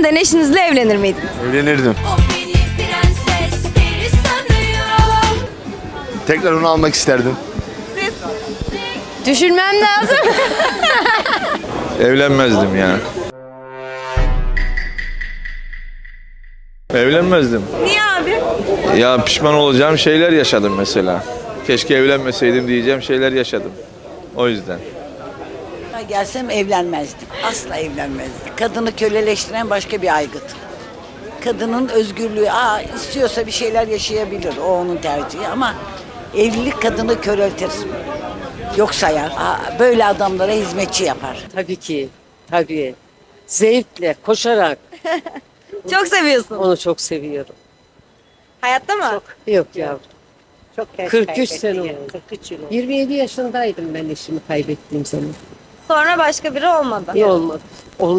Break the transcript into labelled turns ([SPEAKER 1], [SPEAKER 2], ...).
[SPEAKER 1] yeniden eşinizle evlenir miydiniz?
[SPEAKER 2] Evlenirdim.
[SPEAKER 3] O beni prenses peri sanıyor.
[SPEAKER 2] Tekrar onu almak isterdim.
[SPEAKER 1] Düşünmem lazım.
[SPEAKER 4] Evlenmezdim ya. Evlenmezdim.
[SPEAKER 1] Niye abi?
[SPEAKER 4] Ya pişman olacağım şeyler yaşadım mesela. Keşke evlenmeseydim diyeceğim şeyler yaşadım. O yüzden.
[SPEAKER 5] Gelsem evlenmezdim. Asla evlenmezdim. Kadını köleleştiren başka bir aygıt. Kadının özgürlüğü, istiyorsa bir şeyler yaşayabilir. O onun tercihi ama evlilik kadını köreltir. Yok sayar. Böyle adamlara hizmetçi yapar.
[SPEAKER 6] Tabii ki, tabii. Zevkle, koşarak
[SPEAKER 1] Çok seviyorsun.
[SPEAKER 6] onu çok seviyorum.
[SPEAKER 1] Hayatta mı?
[SPEAKER 6] Yok yavrum.
[SPEAKER 5] Çok
[SPEAKER 6] 43 sene oldu. 27 yaşındaydım ben eşimi kaybettiğim zaman.
[SPEAKER 1] Sonra başka biri olmadı.
[SPEAKER 6] İyi olmadı.